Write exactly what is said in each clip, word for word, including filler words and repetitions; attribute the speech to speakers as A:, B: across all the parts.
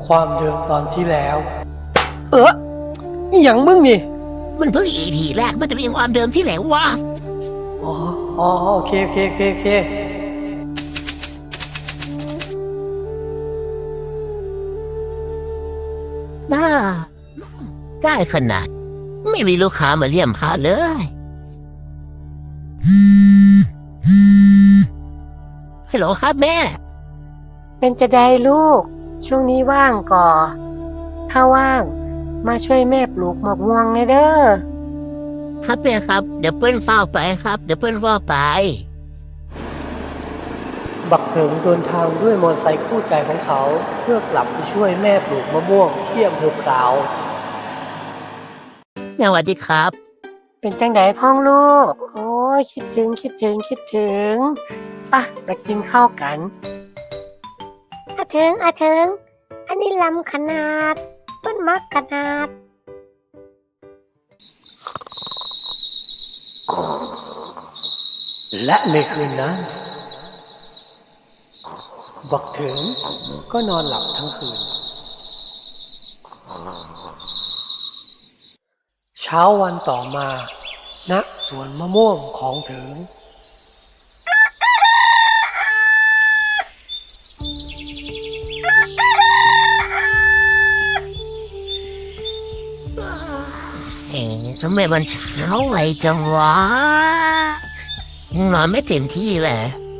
A: ความเดิมตอนที่แล้ว เอออหย่างมึงนี่
B: มันเพิ่งอีพีแรกมันจะมีความเดิมที่ไหนวะ
A: อ๋ออ๋อโอเคโอเคโอเคโอเค
B: บ้าใกล้ขนาดไม่มีลูกค้ามาเยี่ยมพาเลยฮัลโหลครับแม่
C: เป็นจะได้ลูกช่วงนี้ว่างก่อถ้าว่างมาช่วยแม่ปลูกหมอกม่วงเลยเด้อ
B: ครับแม่ครับเดี๋ยวเปิ้ลเฝ้าไปครับเดี๋ยวเปิ้ลเฝ้าไป
A: บักเถิงเดินทางด้วยมอเตอร์ไซค์คู่ใจของเขาเพื่อกลับไปช่วยแม่ปลูกมะม่วงที่อำเภอพร้าว
B: สวัสดีครับ
C: เป็นจังไดพ้องลูกโอ้ยคิดถึงคิดถึงคิดถึงป่ะมากินข้าวกันอาเถิงอาเถิงอันนี้ลำขนาดเปิ้นมักขนาด
A: และในคืนนั้นบักเถิงก็นอนหลับทั้งคืนเช้าวันต่อมาณสวนมะม่วงของเถิง
B: เอ๊ะทำไมมันเช้าไวจังวะนอนไม่เต็มที่เลย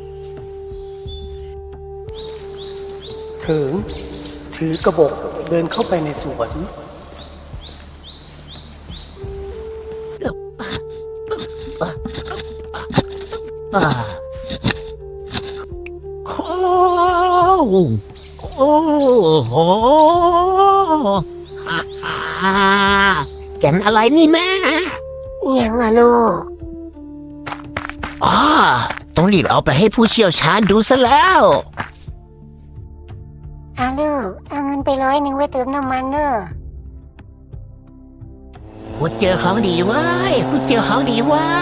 A: เถิงถือกระบอกเดินเข้าไปในสวน
B: โอ้โอ้โหฮ่าฮ่าแก่นอะไรนี่แม่
C: ยังอะลูก
B: อ๋อต้องรีบเอาไปให้ผู้เชี่ยวชาญดูซะแล้ว
C: อาลูกเอาเงินไปร้อยหนึ่งไว้เติมน้ำมันเนอะ
B: คุณเจอของดีไว้คุณเจอของดีไว้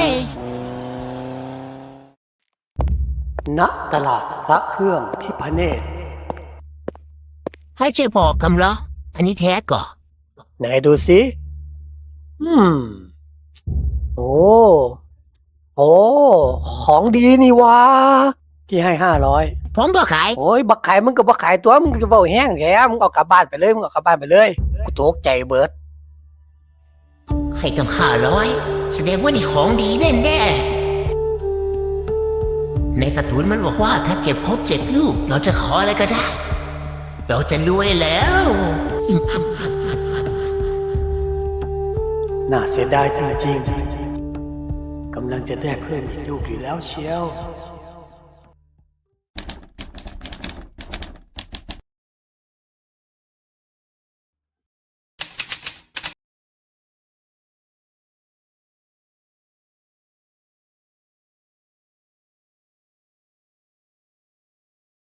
A: ณตลาดพระเครื่องที่พระเนตร
B: ให้ช่วยบอกคำเหรออันนี้แท้ก่อ
A: ไหนดูสิอืมโอ้โอ้ของดีนี่วะพี่ให้ห้าร้อย
B: ผมบอกขาย
A: โอ้ยบักขายมึงกับบักขายตัวมึงจะเบาแห้งแกมึงเอากลับบ้านไปเลยมึงเอากลับบ้านไปเลยกูตกใจเบิด
B: ให้ตั้งห้าร้อยแสดงว่านี่ของดีแน่แน่ในการ์ตูนมันบอกว่าถ้าเก็บครบเจ็ดลูกเราจะขออะไรก็ได้เราจะรวยแล้ว
A: น่าเสียดายจริงๆกำลังจะได้เพิ่มอีกลูกอยู่แล้วเชียว